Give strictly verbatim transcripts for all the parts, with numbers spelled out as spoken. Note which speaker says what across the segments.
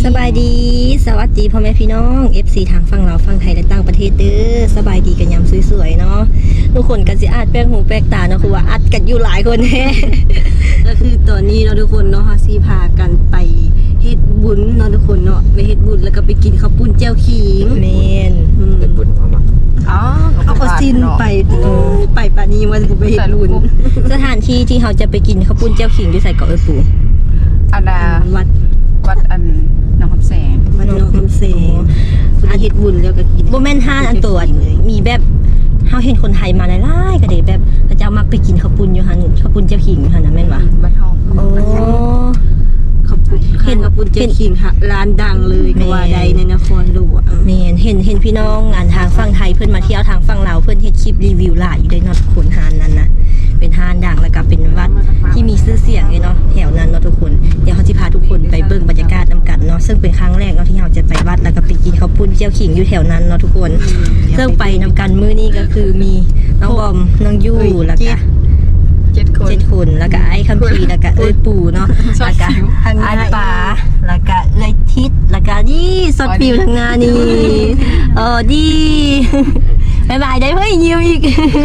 Speaker 1: สบายดีสวัสดีพ่อแม่พี่น้อง เอฟ ซี ทางฝั่งเราฝั่งไทยและต่างประเทศเด้อสบายดีกันยามสวยๆเนาะทุกคนกันสิอาจแปลกหูแปลกตาเนาะคือว่าอัดกันอยู่หลายคนแท้ก็คือตอนนี้เนาะทุกคนเนาะเฮาสิพากันไปเฮ็ดบุญเนาะทุกคนเนาะไปเฮ็ดบุญแล้วก็ไปกินข้าวปุ้นเจียวขิงแม่นเฮ็ดบุญเอามาอ๋อเอาก็สิ้นไปไปปานนี้ว่าสิไปเฮ็ดบุญสถานที่ที่เฮาจะไปกินข้าวปุ้นเจียวขิงอยู่ไสเกาะเอ้ยปู่
Speaker 2: อันน่ะ
Speaker 1: วัด
Speaker 2: วัดอันหนองคำแสง
Speaker 1: วัดหนองคำแสงอาเฮ็ดบุญแล้วก็กินบ่แม่นห้านอันตัวมีแบบเฮาเห็นคนไทยมาหลายๆก็ได้แบบพระเจ้ามักไปกินข้าวปุ้นอยู่หั่นข้าวปุ้นเจ้าขิงอยู่หั่นน่ะแม่นบ่
Speaker 2: วัดทอง
Speaker 1: โอ้ข้าวปุ้นเห็นข้าวปุ้นเจ้าขิงร้านดังเลยก็ว่าใดในนครหลวงแม่นเห็นเห็นพี่น้องอ่านทางฝั่งไทยเพิ่นมาเที่ยวทางฝั่งลาวเพิ่นเฮ็ดคลิปรีวิวหลายอยู่ด้วยเนาะคนหานนั้นนะเป็นห้านดังแล้วก็เป็นวัดที่มีชื่อเสียงเลยเนาะแถวนั้นเนาะทุกคนเดี๋ยวเขาจะพาทุกคนไปเบิ่งบรรยากาศนำกันเนาะซึ่งเป็นครั้งแรกเนาะที่เราจะไปวัดแล้วก็ไปกินข้าวปุ้นเจียวขิงอยู่แถวนั้นเนาะทุกคนซึ่งไปนำกันมื้อนี้ก็คือมีน้องบอมน้องยู่แล้วก็
Speaker 2: เจ็ดคน
Speaker 1: เจ็ดคนแล้วก็ไอ้คัมพีแล้วก็เอ้ยปู่เนาะแล้วก็ไอ้ป๋าแล้วก็เอ้ยทิศแล้วก็นี่สดปิวทางงานนี่เออดีบายบายได้เฮ้ยยิ้มอีก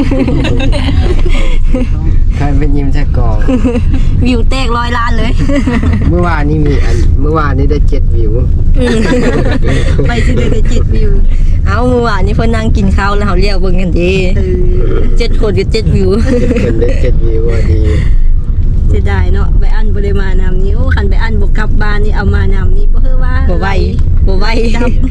Speaker 3: ใครเป็นยิ้มแท้กอง
Speaker 1: วิวแตกร้อยล้านเลย
Speaker 3: เมื่อวานนี้มีอันเมื่อวานนี้ได้เจ็ดวิว
Speaker 1: ไปสิได้เจ็ดวิวเอาเมื่อวานนี้เพิ่นนั่งกินข้าวแล้วเขาเรียกเบิ่งกันดีเจ็ดคนกับเจ็ดวิว
Speaker 3: คนได้เจ็ดวิวดี
Speaker 1: จะได้เนาะไปอันบ่ได้มานำนี้โอ้คันไปอันบ่กลับบ้านนี่เอามานำนี่บ่คือว่าบ่ไหวบ่ไหวจับ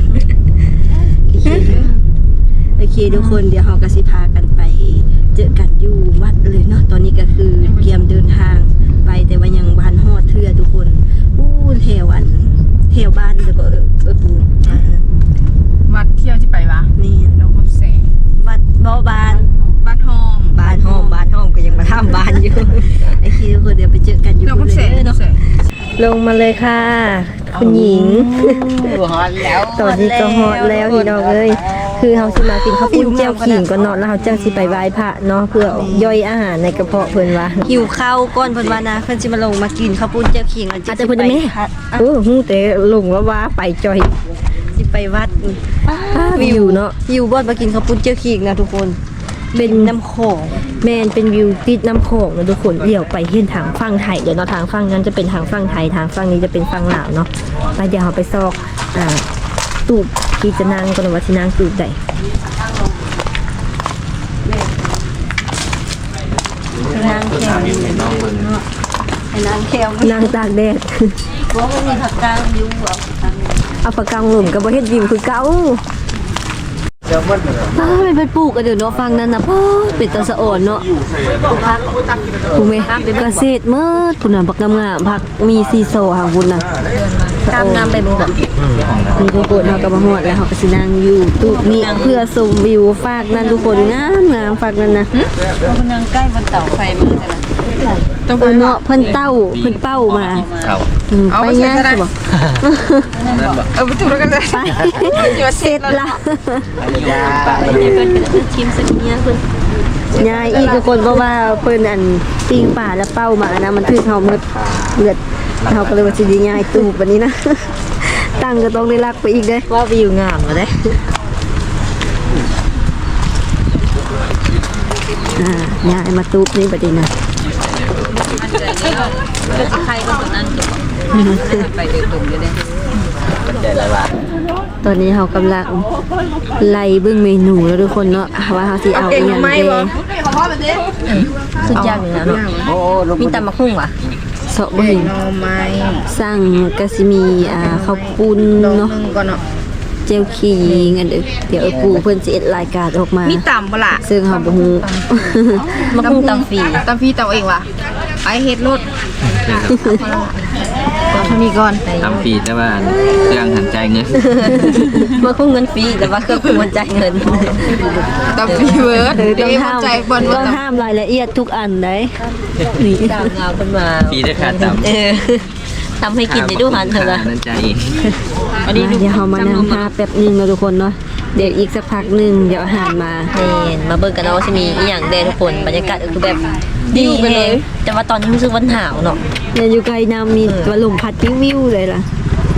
Speaker 1: โอเคทุกคนเดี๋ยวเราก็สิพากันไปเจอกันอยู่วัดเลยเนาะตอนนี้ก็คือเตรียมเดินทางไปแต่ว่ายังบ้านฮอดเทื่อทุกคนอู้แถวอันแถวบ้านเดี๋ยวก็เออเออปู
Speaker 2: วัดเที่ยวที่ไปวะ
Speaker 1: นี่
Speaker 2: หนองคำแสง
Speaker 1: วัดบ่บ้าน
Speaker 2: บ้านห้อง
Speaker 1: บ้านห้องบ้านห้องก็ยังมาทำบ้านอยู่โอเคทุกคนเดี๋ยวไปเจอกันอยู่เลยเนาะลงมาเลยค่ะคุณหญิง
Speaker 2: ฮอตแล้ว
Speaker 1: ตอนนี้ก็ฮอตแล้วพี่น้องเอ้ยคือเฮาสิมากินข้าวปุ้นเจียวขิงก่อนเนาะแล้วเฮาจังสิไปไหว้พระเนาะเพื่อย่อยอาหารในกระเพาะเพิ่นว่าหิวข้าวก่อนเพิ่นว่านะเพิ่นสิมาลงมากินข้าวปุ้นเจียวขิงแล้วจะไปแม่เออฮู้แต่ลงว่าว่าไปจอยสิไปวัดวิวเนาะวิวบ่มากินข้าวปุ้นเจียวขิงนะทุกคนเป็นน้ำโขงแม่นเป็นวิวติดน้ำโขงนะทุกคนเลี้ยวไปเห็นทางฝั่งไทยเดี๋ยวเนาะทางฝั่งนั้นจะเป็นทางฝั่งไทยทางฝั่งนี้จะเป็นฝั่งลาวเนาะไปเดี๋ยวเราไปซอกอ่าตูบที่จะนั่งก็นว่าที่นั่งตูบใดนั่งแคมนั่งแคมนั่งตากแดดว่ามันมีผักกางอยู่เอาผักกางหล่มกับบ่เฮ็ดวิวคือเก่าป้าเป็นไปปลูกกันเดี๋ยวเนาะฟังนั่นนะพ่อเป็นตะสะอ่อนเนาะพักถูกไหมเกษตรเมื่อคุณน่ะผักงามๆผักมีซีโซหางบุญน่ะงามงามไปบ่มีทุกคนเราก็มาหอดแล้วเขาก็สินั่งอยู่ตู้นี้เพื่อชมวิวฝากนั่นทุกคนงามงามฝากนั่นนะ
Speaker 2: เราคนนั่งใกล้บนเสาไฟมือแต่ละ
Speaker 1: ต้องเเนาะเพิ่นเต้าเพิ่นเป้ามาไปง่ายสิบ่
Speaker 2: เออไปถูกแล้วกันเลย
Speaker 1: เสร็จละชิมสักเนี้ยเพิ่นยายอีกคนเพราะว่าเพิ่นอันปิ้งป่าแล้วเป้ามานะมันถึกเฮาหมดเลือดเฮาก็เลยว่าสิง่ายตูบบัดนี้นะตั้งก็ต้องได้รักไปอีกเด้ว่าวิวงามบ่ได้อ่ายายมาตูบนี่บัดนี้นะ
Speaker 2: ใครก็คนนั้นจบไปเดินตุ่มอยู่เนี่ย
Speaker 1: ตอนนี้เขากำลังไล่เบื้องเมนูแล้วทุกคนเนาะว่าเขาสิเอาอย่างเดียวสุดยอดเลยนะเนาะมีตำมะฮุ่งว่ะเสาะบึ้งสั่งกะซิมีอ่าข้าวปุ้นเนาะเจียวขิงอันเดี๋ยวปูเพิ่นสิเอ็ดรายการออกมา
Speaker 2: มีตำบ่ล่ะ
Speaker 1: ซึ่งเฮาบ่ฮู้มะฮุ่งตำฟรี
Speaker 2: ตำฟรีตำเองว่ะไอเฮ็ดรถเท่านี้ก่อน
Speaker 4: ทำฟรีแต่ว่าเครื่องหันใจเงิน
Speaker 1: มาคุ้มเงินฟรีแต่ว่าเครื่องหันใจเงิน
Speaker 2: ตำฟรีเวิร์ดต้องห้าม
Speaker 1: ต้องห้ามรายละเอียดทุกอันได้นี่ตามงานขึ้นมา
Speaker 4: ฟรีได้ขาดตำ
Speaker 1: เออทำให้กินได้ดูหันเถอะนะ
Speaker 4: หันใจ
Speaker 1: อันนี้เดี๋ยวเรามานั่งทาแป๊บนึงนะทุกคนเนาะเดี๋ยวอีกสักพักนึงเดี๋ยวอาหารมาเห็นมาเบิ่งกันเนาะว่าจะมีอีหยังแดนทุกคนบรรยากาศคือแบบดีไปเลยแต่ว่าตอนนี้รู้สึกวันหนาวเนาะเนี่ยอยู่ไกลน้ำมีว่าลมพัดวิวๆเลยล่ะ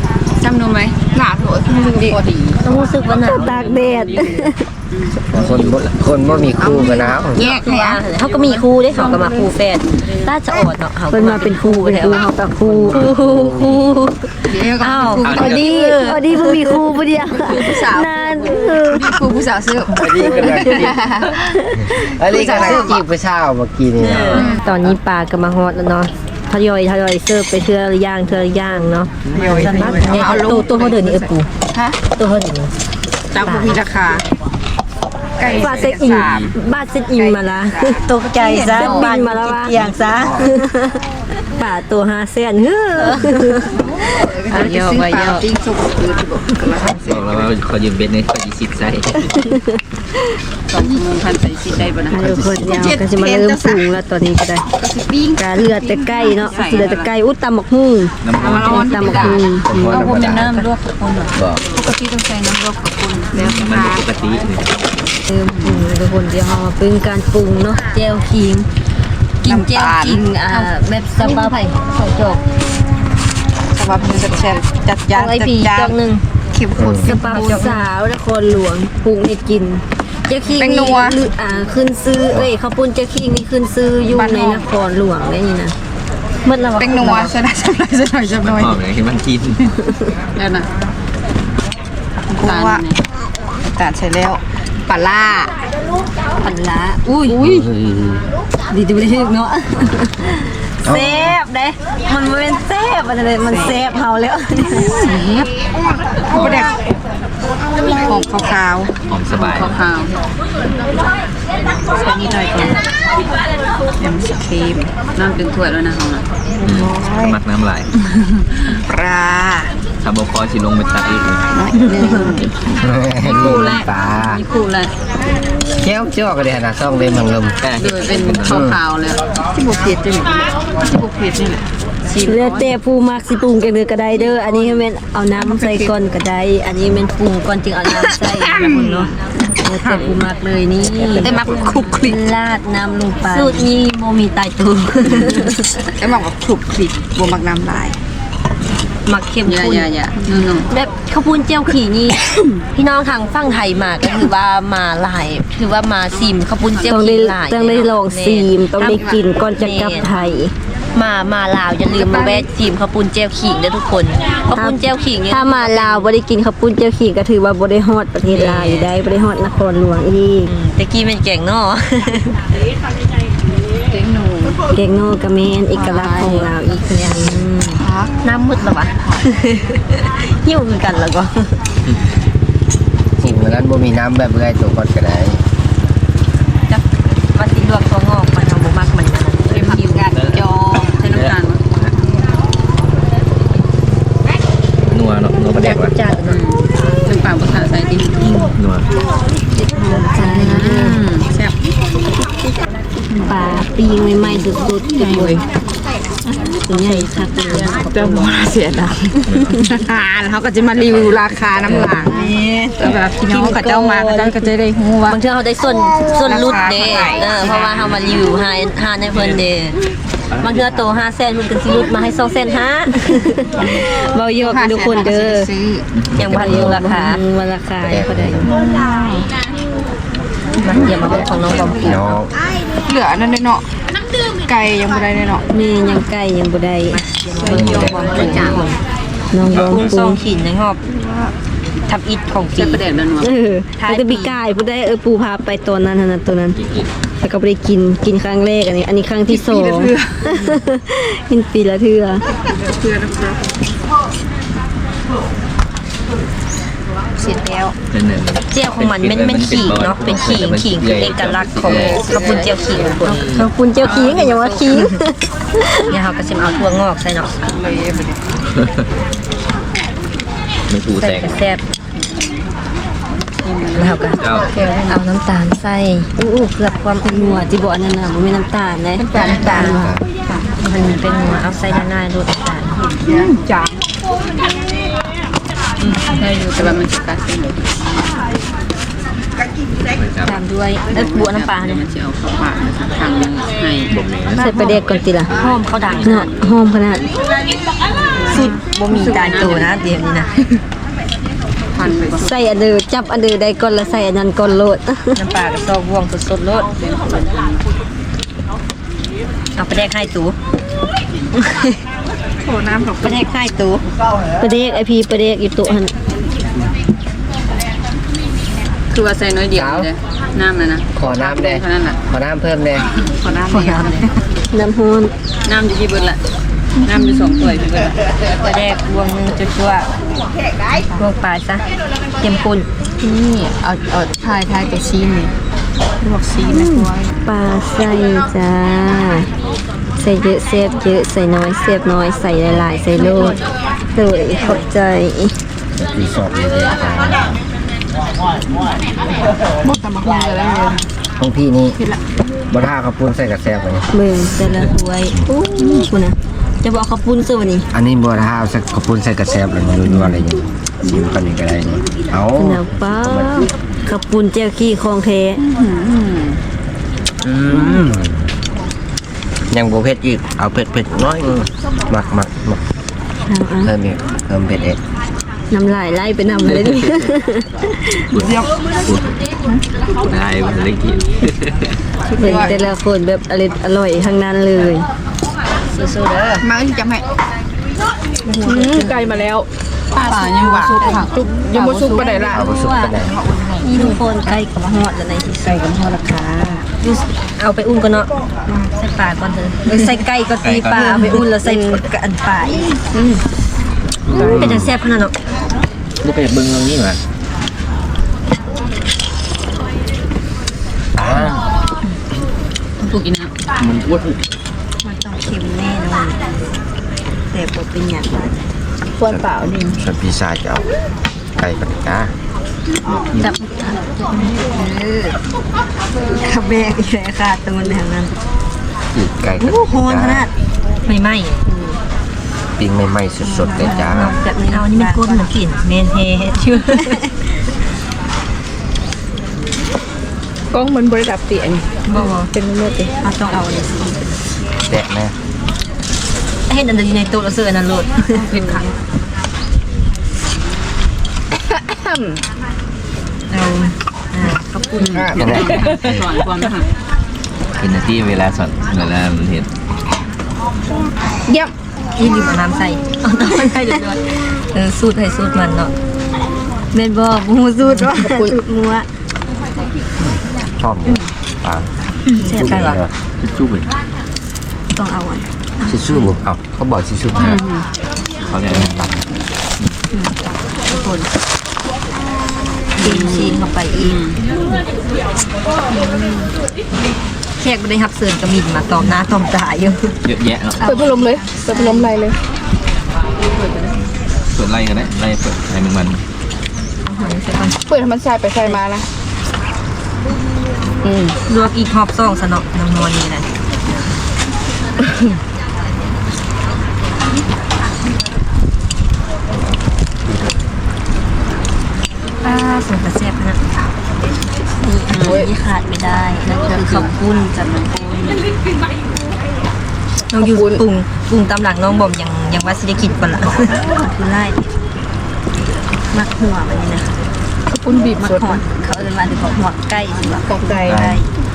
Speaker 2: จำนูไหมหนาโถไม่รู้พอดี
Speaker 1: ต้องรู้สึกว่าหนาวตากแดด
Speaker 3: คนบ่คนบ่มีคู่กันหนาว
Speaker 2: แยกเลยอ่ะ
Speaker 1: เขาก็มีครูได้เขาก็มาครูแฟนน่าจะอดเนาะเขาเป็นมาเป็นครูเป็นครูเขากับครูครูครู
Speaker 2: เดี๋ยวก็
Speaker 1: อ้าว
Speaker 2: ครู
Speaker 1: พอดีพอดีเพิ่งมีครูพอดีนานเออ
Speaker 2: ครูผู้สาวซื้อ
Speaker 3: อันนี้กำลังจีบอันนี้กำลังจีบผู้สาวเมื่อกี้นี่
Speaker 1: ตอนนี้ปลาก็มาฮอตแล้วเนาะทยอยทยอยเสิร์ฟไปเทื่อย่างเทื่อย่างเนาะเอาตัวตัวเขาเดินนี่เออปู
Speaker 2: ฮะ
Speaker 1: ตัวเขาเดินนี่
Speaker 2: ตามมีราคาไก่
Speaker 1: บาทเซ็ตอินบาทเซ็ตอินมาละตกใจซะบาทมาแล้วว่าอย่างซะป่าตัวห้าเซนเฮ้อ
Speaker 2: เยอะไปเยอะปิ้งสุกคือบอก
Speaker 4: บอกแล้วว่าเขายืมเบ็ดเนี่ยเขายีสิบไซส์
Speaker 2: สองโมงพันใส่ซีได้ป่ะนะ
Speaker 1: ทุกคนยาวก็จะมาเริ่มปรุงแล้วตอนนี้ก็ได้
Speaker 2: ก็คือปิ้ง
Speaker 1: กาเลือดแต่ใกล้เนาะเลือดแต่ใกล้อุ้ตำหมกหุ่ง
Speaker 4: น้ำร้อน
Speaker 1: ตำหมกหุ่ง
Speaker 2: เอาพวกเป็นน้ำลวกกับคน
Speaker 3: บอก
Speaker 2: ปกติต้องใช้น้ำลวกกับคนแล้ว
Speaker 4: มันปกติ
Speaker 1: เริ่มปรุงทุกคนเดี๋ยวเรามาปรุงการปรุงเนาะแจ่วขิงกินแจ่วขิงอ่าแบบสบาไผ่สองจอก
Speaker 2: สำหรับมือแซ่บจัด
Speaker 1: จ
Speaker 2: จา
Speaker 1: อน งไอ
Speaker 2: จัด
Speaker 1: พี
Speaker 2: จา
Speaker 1: จอน งหนึ่ง
Speaker 2: เข้มข้น
Speaker 1: สปาสาวนครหลวงปรุงให้กินเจ้าขิง
Speaker 2: เป็นนั
Speaker 1: นี่
Speaker 2: ว
Speaker 1: ลืออ่าขึ้นซื้อเอ้ยข้าวปุ้นเจ้าขิงนี่ขึ้นซื้ออยู่
Speaker 2: บ้าน
Speaker 1: ใน
Speaker 2: นอก
Speaker 1: นครหลวงได้นี่นะเมื่อเรา
Speaker 2: เป็นนัวใช่ไหมใช่ไหมใช่ไหมใช่ไหม
Speaker 4: หอมเลยที่มันกิน
Speaker 2: แล้วนะตาลตาลใช่แล้วปลาล่า
Speaker 1: ปันละอุ้ยดีดีไม่ได้ถึกเนาะเซฟเด้มันบ่เป็นเซฟมันเลยมันเซฟเฮาแล้ว
Speaker 2: โอ้เด็กหอมขาว
Speaker 4: หอมสบาย
Speaker 2: ๆขาวๆใส่นิดหน่อยก่อนยำสครีมน้ำเป็นถ้วยแล้วนะของเรา
Speaker 4: มักน้ำลาย
Speaker 2: ปลา
Speaker 4: ถ้าบอกคอสิลงไปตัดอีก
Speaker 2: น้อยหนึ่ง
Speaker 3: คู่แรกตา
Speaker 2: มีคู่เลย
Speaker 3: แก้วจ้อกเลยนะซ่องเลยมังลม
Speaker 4: แต่
Speaker 2: โดยเป็นขาวๆเลยที่บุกเผ็ดจะมีที่บุกเผ็ดนี่แหละชิม
Speaker 1: เลือดเตะผู้มักสิปรุงกันเลยก็ได้เด้ออันนี้แม่นเอาน้ำใส่ก่อนก็ได้อันนี้แม่นปรุงก่อนจึงเอาน้ำใส่นะคุณเนาะเลือดเตะผู้มักเลยนี่
Speaker 2: ได้มักคลุกคลิก
Speaker 1: ลาดน้ำลงไปสูตรนี้โมมีตายตัว
Speaker 2: ได้มักแบบคลุกคลิกบวมักน้ำลาย
Speaker 1: มักเข้ม
Speaker 2: อย่า
Speaker 1: ข้น
Speaker 2: อย่าอย่านุ่ม
Speaker 1: แบบข้าวปุ้นเจียวขี่นี่ พี่น้องทางฝั่งไทยมาก็คือว่ามาหลายคือว่ามาซิมข้าวปุ้นเจียวขี่หลายต้องได้ลองซิมต้องได้กินก่อนจะกลับไทย มามาลาวอย่าลืมมาแวะซิมข้าวปุ้นเจียวขิงเด้อทุกคนข้าวปุ้นเจียวขิงถ้ามาลาวบ่ได้กินข้าวปุ้นเจียวขิงก็ถือว่าบ่ได้ฮอดประเทศลาวอยู่ได้บ่ได้ฮอดนครหลวงอีกตะกี้เป็นแกงนอ
Speaker 2: ๆเต็งหนู
Speaker 1: แกงนอกะแม่นเอกลักษณ์ของลาวอีกอย่างหนึงน้ำมืดแล้ววะ หิวคือกันแล้วก็
Speaker 3: สิ่งเหมือนกันบ่มีน้ำแบบเรื่อยตัวก่อนก็ได้
Speaker 1: จักว่าสิลวกตัวงอกมันเอาบ่มักมันนะ
Speaker 2: เต็มหิวกันจองใช้น้ำตาล
Speaker 4: นัวเนาะนัวประแดกว่ะ
Speaker 1: จัดเนาะ
Speaker 2: เป็นปากภาษาใส่ดิ
Speaker 4: นัว
Speaker 2: แซ่บ
Speaker 1: ปลาปีงใหม่ๆสุดๆทุกคนตัวใหญ่คักเลย
Speaker 2: เจ้าบ่เสียดายแล้วเขาก็จะมารีวิวราคาน้ำหลังแต่แบบพี่น้องกับเจ้ามาก็เจ้าก็จะได้ฮู้ว่า
Speaker 1: บางเทื่อเขาได้ส่วนส่วนลดเด้
Speaker 2: ราคาเท่าไหร่
Speaker 1: เออเพราะว่าเฮามารีวิวหาหาในเพิ่นเด้บางเทื่อโตห้าแสนเพิ่นก็สิลดมาให้สองแสนห้าเว้าอยู่กับทุกคนเด้อยังบ่ทันรู้ราคาว่าราคาเท่าใดมาเยี่ยมมาของน้องบอม
Speaker 3: พี่น้อง
Speaker 2: เหลือนั่นเนาะไก่ยังไม่ได้เนาะ
Speaker 1: นี่ยังใกล้ยังบ่ได้
Speaker 2: น้องบอมเป็นจ่า
Speaker 1: น้องบอม
Speaker 5: กุ้ง
Speaker 1: ป
Speaker 5: ซ
Speaker 1: รุ
Speaker 5: อง งขินนะครับทับอิดของปี
Speaker 2: ใช้ประเด็นแล้วเนาะ
Speaker 1: เออมันจะมีกายผู้ได้เออปูพาไปตัวนั้นนะตัวนั้นแล้วก็ไปได้กินกินครั้งแรกอันนี้ อันนี้ครั้งที่สองกินปีละเทื่อ
Speaker 2: เพื่อนนะครับ
Speaker 1: เสร็จแล้ว
Speaker 4: นั่นน่ะ
Speaker 5: เจียวของมันเป็นเป็นขิงเนาะเป็นขิงขิงคือเอกลักษณ์ของข้าวปุ้นเจียวขิงทุกคน
Speaker 1: ขอบคุณเจ้าขิงกันอย่าว่าขิง
Speaker 5: เนี่ยเขาก็จะเอาถั่วงอกใส่เนาะ
Speaker 4: ไม่ปูแต
Speaker 5: ใส่
Speaker 4: ก
Speaker 5: กระแซบแล้วเขาก็
Speaker 4: เจ้า
Speaker 5: เอาน้ำตาลใส่
Speaker 1: อู้อู้เกือบความเป็นนัวที่บอกอันนั้นน่ะมันไม่น้ำตาลนะ
Speaker 5: น้ำตาลน้ำตาลมันเป็นหัวเอาใส่ด้านหน้าดูน้ำตาล
Speaker 2: จ่าได้อยู่แต่ว่ามันจะกัดเส้น
Speaker 5: ตามด้วยเอ้ยบัวน้ำปลาเนี่ย
Speaker 2: มันจะเอาเข้าปากทางให้
Speaker 4: บ่แม่น
Speaker 1: ใส่ปลาเด็กก่อนติล่ะ
Speaker 5: หอมเขาดัง
Speaker 1: เนาะหอมขนาด
Speaker 2: ใ
Speaker 1: สุดบ่มีตายตัวนะเดี๋ยวนี้นะ
Speaker 2: พันไปก่อน
Speaker 1: ใส่อันเดอร์จับอันเดอร์ได้ก่อนแล้วใส่อันนั้นก่อนโลด
Speaker 5: น้ำปลากระซอกวงสดๆรสเอาไปแดกให้ตู
Speaker 2: โถน้ำของ
Speaker 5: ไปแดกให้ตู
Speaker 1: ประเดกไอพีประเดกอยู่ตัวหัน
Speaker 2: คือว่าใส่น้อยเดียวเลยน้ำนะนะ
Speaker 3: ขอน้ำแดง
Speaker 2: เท่านั้นแหละ
Speaker 3: ขอน้ำเพิ่มแดง
Speaker 2: ขอน้ำเดียวเลย
Speaker 1: น้ำฮ้อน
Speaker 2: น้ำอยู่ที่เบิร์ดละน้ำอยู่สองถ้วยที่เบิร์ด
Speaker 5: ไปแดกวงหนึงจั่วๆวงปลายซะเต็มปุ่น
Speaker 2: นี่เอาเอาทายทายตัวซีนนี่ลวกซีนนะกล้วย
Speaker 1: ปลาใส่จ้าใส่เยอะเซฟเยอะใส่น้อยเซฟน้อยใส่หลายๆใส่โลดเลยขอบใจ
Speaker 3: ปีสอบเลย
Speaker 2: หมดตำบักหุ่งเลยแล้วเลย
Speaker 3: ของพี่นี่บ่ท่าข้าวปุ้นใส่กระแซบไป
Speaker 1: เบิ่งแต่ละถ้วยอู้คุณนะจะบอกข้าวปุ้นซื้อวันนี้
Speaker 3: อันนี้บ่ท่าใส่ข้าวปุ้นใส่กระแซบเลยมันรัวๆอะไรอย่างนี้ชิมกันนี่ก็ได้นี่เอา
Speaker 1: ขนาดป้าข้าวปุ้นเจ้าขี้คลองเท
Speaker 3: อืมยังบ่เผ็ดอีกเอาเผ็ดเผ็ดน้อยหมักหมักหมัก
Speaker 1: เอา
Speaker 3: เพิ่มอีกเพิ่มเผ็ดเอก
Speaker 1: ๆน้ำลายไล่ไปนำเลยดิ
Speaker 4: ได้มันเล็กกิน
Speaker 1: เบิ่งแต่ละคนแบบอร่อยอร่อยทั้งนั้นเลย
Speaker 5: สู้ๆเด้อ
Speaker 2: มาที่จำให้ไก่มาแล้วป่ายังหวานจุกยังบ่ซุกปานใดล่ะ
Speaker 3: เอาไปสุกกันไหน
Speaker 5: นี่ทุกคนใกล้กับฮอดแล้วในที่ใส่กับฮอดราคาเอาไปอุ่นก่อนเนาะใส่ปลาก่อนเถอะเอ้ยใส่ไก่ก็ตีปลาเอาไปอุ่นแล้วใส่อันปลาอีกอืมเป็นจังแซ่บขนาดเนาะ
Speaker 4: ลูกไปเบิ้งตรงนี้มา
Speaker 3: อ่า
Speaker 2: ถูกกินนะ
Speaker 4: มันอ้วน
Speaker 5: มันต้องเค็มแน่นอนแต่บ่เป็นหยัง
Speaker 2: ควรเปล่าดิ
Speaker 3: ส่วนพี่ชายจะเอาไก่ปฏิกา
Speaker 5: จับเออขับแบกอีกแล้วค่ะตรงนั้นแบบนั้น
Speaker 3: อีกไก่ปฏิ
Speaker 5: โอ้โห
Speaker 3: กา
Speaker 5: ขนาดไม่ไหม้
Speaker 3: ปิ้งใหม่ๆสดๆเลยจ้า
Speaker 5: แบบนี้เอานี่มันก้นเหมือนกลิ่นเมนเฮชื่อก
Speaker 2: ล้องมันบริดับเตียน
Speaker 5: บอกว่าเป็นเมื่อติเอาต้องเอาเลยสิ
Speaker 3: แดะแม่
Speaker 5: เห็นอันเดียวอยู่ในโต๊ะแล้วเสื้ออันนั้นโหลด
Speaker 2: เป็นครั้ง
Speaker 5: เอาอ่าขอบคุณ
Speaker 3: ยังไง
Speaker 2: สอนความนะคะ
Speaker 4: เป็นหน้าที่เวลาสอนเวลามันเห็น
Speaker 2: เยี่ยม
Speaker 5: ที่ลืมเอาน้ำใส่เอาน้ำใส่เดี๋ยวด้วยเออสูตรให้สูตรมันเนาะเมนบอกมูสูตรว่าสูตรมัว
Speaker 3: ชอบปลา
Speaker 5: เสียใจวะ
Speaker 4: ทิชชู่เป็น
Speaker 5: ต้องเอาอ่ะ
Speaker 3: ชิชูบุเอาเขาบอกชิชู
Speaker 4: เขาเนี่ยตัด
Speaker 5: ทุกคนกินชีนเข้าไปอีกแขกไม่ได้ฮับเสิร์นกระมินมาตอมหน้าตอมตาอยู่
Speaker 4: เยอะแยะเนาะ
Speaker 2: เปิดพัดลมเลยเปิดพัดลมไรเลย
Speaker 4: เปิดไล่กันได้ไล่เปิดไล่หนึ่งวัน
Speaker 5: เอาหอยใส่ก่อน
Speaker 2: เปิดให้มันใส่ไปใส่มานะ
Speaker 5: ลวกอีกหอบซองสนอกน้ำนวลนี่นะป้าส่งกระเสียบนะนี่อันนี้ขาดไม่ได้นั่นคือข้าวปุ้นจัดน้ำปุ้นน้องอยู่ปรุงปรุงตามหลังน้องบอมยังยังว่าสิได้กินก่อนละคือไล่มักหัวมันนี่นะ
Speaker 2: ข้าวปุ้นบีบ
Speaker 5: มัก
Speaker 2: สด
Speaker 5: หอดเขาเอิ้นว่าถึงหัวไก่สิวะ
Speaker 2: กอกไก่
Speaker 5: ไก่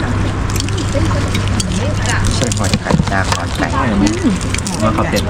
Speaker 3: ใช่หอยไข่จ้าหอยไก่
Speaker 4: ว่าเขาเป็น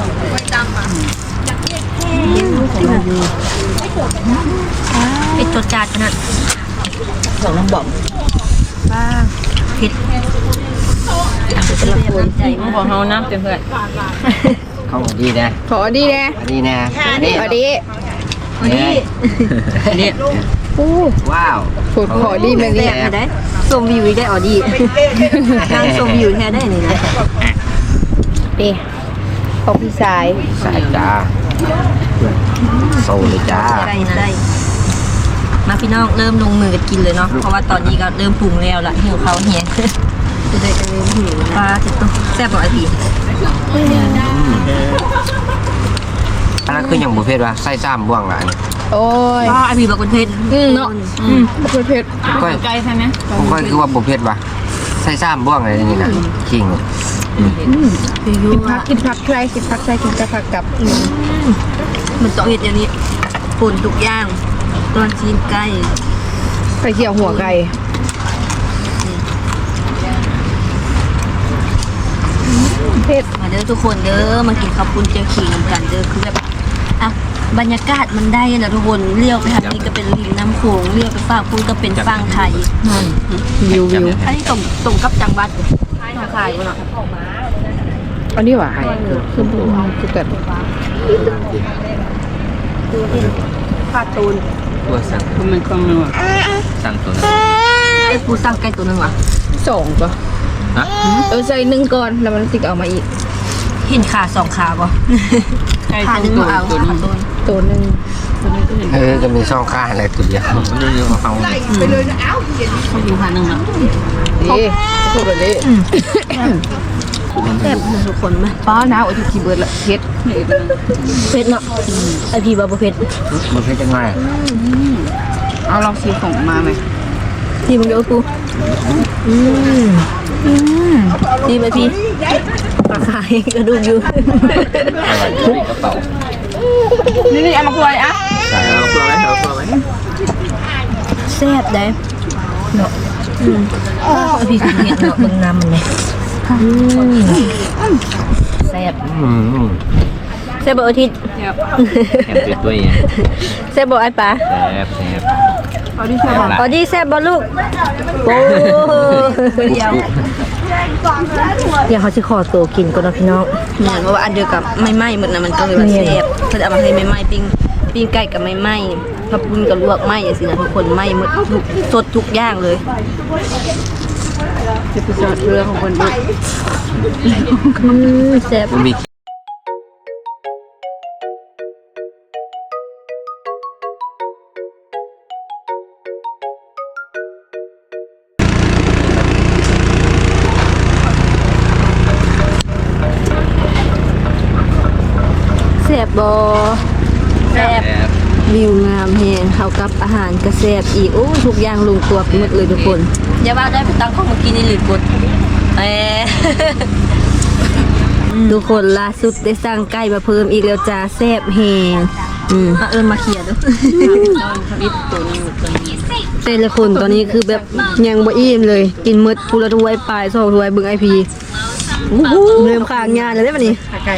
Speaker 5: เป็นตัวจานขนาด
Speaker 2: ของน้ำบ่อม
Speaker 5: ป้าเผ็ดเป็นละคนใจมาก
Speaker 2: ของเขาน้ำเต็มเพื่อน
Speaker 3: เข้าดีนะ
Speaker 2: ขอดีแน่
Speaker 3: อันนี้นะอันนี้
Speaker 2: ขอดี
Speaker 3: นี่
Speaker 2: เนี่ยอู้
Speaker 3: ว้าว
Speaker 2: ผูดขอดีไหม
Speaker 5: แซ่
Speaker 2: เนี่ย
Speaker 5: บได้ชมวิวได้ออดีนั่งชมวิวแท้ได้นี่นะ
Speaker 2: นี่ของพี่สาย
Speaker 3: สายจ้าโซเลยจ้า
Speaker 5: ไก่นะได้มาพี่น้องเริ่มลงมือกันกินเลยเนาะเพราะว่าตอนนี้ก็เริ่มปรุงแล้วล่ะหิวเขาวเฮียจะได้กันเริ่มหิวปลาจะต้องแซ่บกว่าไอพี
Speaker 3: อันนั้นคืออย่างบุฟเฟ่ต์วะไส้ซ้ำบ่วงละอันนี้
Speaker 2: โอ้ย
Speaker 5: ป้าไอพีบอกคนเผ็ด
Speaker 2: อืมเนาะอืมเผ็ดเผ็ด
Speaker 3: ก็
Speaker 2: ไก่ใช่ไหม
Speaker 3: ผมก็คือว่าบุฟเฟ่ต์วะไส้ซ้ำบ่วงอะไรนี่นะจริง
Speaker 2: อกินผักกินผักใครกินผักใครกินแต่ผักกับ
Speaker 5: มันต้องเห็ดอย่างนี้ป่นทุกอย่างตอนจีนไก่
Speaker 2: ไข่เจียวหัวไก่
Speaker 5: เผ็ดมาเด้อทุกคนเด้อมากินข้าวปุ้นเจียวขิงกันเด้อคือแบบอ่ะบรรยากาศมันได้นะทุกคนเลี้ยวไปทางนี้ก็เป็นริมน้ำโขงเลี้ยวไปฝั่งปุ้นก็เป็นฝั่งไทย
Speaker 1: วิววิว
Speaker 5: อันนี้ตรงตรงกับจังหวัดไทยเนาะ
Speaker 2: อันนี้ว่าไข่คือบูคือแบบ
Speaker 5: ขาดตูน
Speaker 4: ตัวสั่ง
Speaker 2: มันคล่องเนาะ
Speaker 4: สั่งตัวนึง
Speaker 5: ไอ้ปูสั่งไก่ตัวนึงวะ
Speaker 2: สองก็
Speaker 4: ฮะ
Speaker 2: เออใส่หนึ่งก่อนแล้วมันติดเอามาอีก
Speaker 5: เห็นขาสองขาป่ะขาหนึ่งมาเอาขาตูน
Speaker 2: ตัวหนึ่ง
Speaker 3: เออจะมีช่องข้างอะไรตัวเดียว
Speaker 4: มันเรื่องมาเขา
Speaker 5: อยู่ขาหนึ่งแล้ว
Speaker 2: นี่พูดแบบนี้
Speaker 5: แซ่บนะทุกคนไหม
Speaker 2: ป้าน้าโอ้ยขี้เบิร์ดละเผ็ด
Speaker 5: เผ็ดเนาะไอพี่บาเผ็ด
Speaker 3: มันเป็นยังไง
Speaker 2: เอาลองซีของมาไหม
Speaker 5: พี่มึงเดี๋ยวปูอืมอืมดีไหมพี่ปลาขายกระดูกอยู่
Speaker 4: กระเป๋า
Speaker 2: นี่นี่เอามาคุยอ่ะ
Speaker 4: ใส่เอาเพื่อไว้เอาเพื่อไว้
Speaker 5: แซ่บได้เนาะอืมไอพี่ถึงเห็นเนาะเบิ่งน้ำมันเลยอืมแซ่บ
Speaker 3: อืม
Speaker 5: แซ่บบ่อาทิตย์
Speaker 4: แอบติดตัวเอง
Speaker 5: แซ่บบ่ไอ้ป๋า
Speaker 4: แซ่บแซ่บ
Speaker 2: เอาดิใช่ป่ะ
Speaker 5: ออดี้แซ่บบ่ลูกโอ้เดียว
Speaker 1: เดี๋ยวเขาจะขอตัวกินก่อนเนาะพี่น้อง
Speaker 5: เหมือนว่าอันเดียวกับไม่ไหม้หมดนะมันก็เลยว่าแซ่บเพิ่นเอามาให้ไม่ไหม้ปิ้งปิ้งไก่กับไม่ไหม้ถ้าปุ้นกับลวกไหม้อย่างสินะทุกคนไหม้หมดทุกสดทุกอย่างเลย
Speaker 2: จะไปจอดเรือของคนดู
Speaker 5: อืมแซ่บ
Speaker 4: มันมี
Speaker 5: แซ่บบ่แซ่บ
Speaker 4: แซ่บ
Speaker 5: วิวงามแฮงเข้ากับอาหารก็แซ่บอีกโอ้ทุกอย่างลงตัวไปหมดเลยทุกคนอย่าว่าได้ไปตั้งข้องเมื่อกี้นี่หรือกดเอ ทุกคนล่าสุดได้สั่งไก่มาเพิ่มอีกแล้วจ้าแซ่บแฮงอืมเอิ้นมาเคลียร์ดู แต่ละคนตอนนี้คือแบบยังบ่อิ่มเลย กินหมดพูละถ้วยปลายสองถ้วยเบิ่งไอพีเริ่มข้างงานแล้วเด้บัดนี้
Speaker 2: ไก่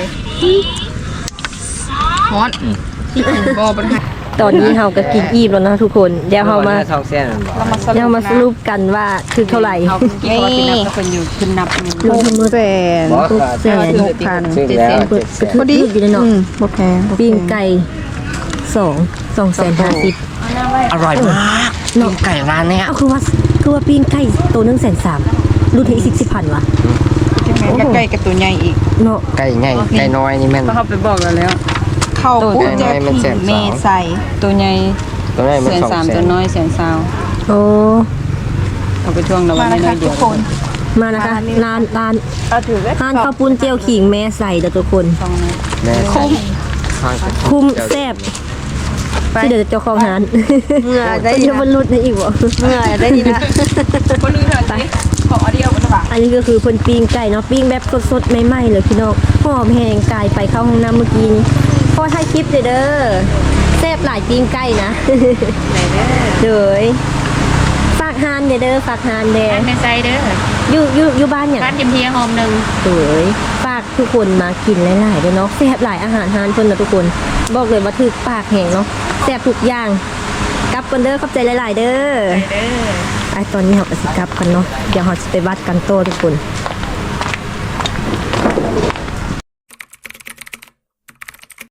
Speaker 2: ฮอนบอบนะ
Speaker 1: ตอนนี้เราก็กินอิ่มแล้วนะทุกคนเดี๋ยวเรามา
Speaker 3: ช่องเส้นบอก
Speaker 1: เดี๋ยวเรามาสรุปกันว่าคือเท่าไหร่
Speaker 2: เขากินเขากินนับก็เป็นอยู่ขึ้นนับหนึ่ง
Speaker 1: รวมทั้งหมด
Speaker 2: แสน
Speaker 3: บอก
Speaker 1: หกแสน
Speaker 2: หกพัน
Speaker 3: ซึ่ง
Speaker 2: เจ็ด
Speaker 3: แล้
Speaker 2: แส
Speaker 3: วน
Speaker 1: เปิดกระทึกอยู่เลยเนาะ
Speaker 2: บ่แพง
Speaker 1: ปิ้งไก่สองสองแสนห้าสิบ
Speaker 3: อร่อยมากน้องไก่ร้านเนี้ย
Speaker 1: เอาคือว่าคือว่าปิ้งไก่ตัวหนึงแสนสามรุ่นที่สิบสิบพันวะ
Speaker 2: ก็ใกล้กับตัวใหญ่อีก
Speaker 1: เนาะ
Speaker 3: ไก่ใหญ่ไก่น้อยนี่แม่น
Speaker 2: เขาไปบอกเราแล้ว เข้า
Speaker 3: ตัว
Speaker 2: ปุ๊บ
Speaker 3: ใหญ่
Speaker 2: จะ
Speaker 3: มันแสนสอง
Speaker 2: เมใส่ตัวใหญ่
Speaker 3: ตัวนี้มัน
Speaker 2: แสน
Speaker 3: สอง
Speaker 2: สาม
Speaker 3: แส
Speaker 2: ตัวน น้อยแสนสาว
Speaker 1: โอ้
Speaker 2: เอาไปช่วงละวันน้อยเดียว
Speaker 1: มานะคะร้านร้านร้านข้าวปุ้นเจียวขิงแม่ใส่เด้อทุกคน
Speaker 2: ช่องนี้
Speaker 3: แม่คุ้ม
Speaker 1: คุ้มแซ่บที่เดี๋ยวจะเจ้าของร้าน
Speaker 5: เหงื่อได้
Speaker 1: จะบรรลุในอีกบ่
Speaker 5: เหงื่อได้ดีนะ
Speaker 2: คนนึงเถอะขอเดียวกันหรือเปล่า
Speaker 1: อันนี้ก็คือเพิ่นปิ้งไก่เนาะปิ้งแบบสดๆใหม่ๆเลยพี่น้องหอมแห้งกายไปเข้าห้องน้ำเมื่อกี้นี้พอถ่ายคลิปเด้อแซ่บหลายปิ้งไก่นะเด้อฝากฮานเด้อฝากฮานเด้อ
Speaker 6: ในใจเด้อ
Speaker 1: อยู่อยู่อยู่บ้านหยัง
Speaker 6: บ้านยิมเทียหอมหนึ่ง
Speaker 1: เด้อฝากทุกคนมากินหลายๆเด้อเนาะแซ่บหลายอาหารฮานเพิ่นนะทุกคนบอกเลยว่าถึกปากแห้งเนาะแซ่บทุกอย่างกลับกันเด้อขอบใจหลายๆเด้อ
Speaker 6: เด้อ
Speaker 1: ไอตอนนี้เราก็สิกลับกันเนาะเดี๋ยวเราจะไปวัดกันโตทุกคน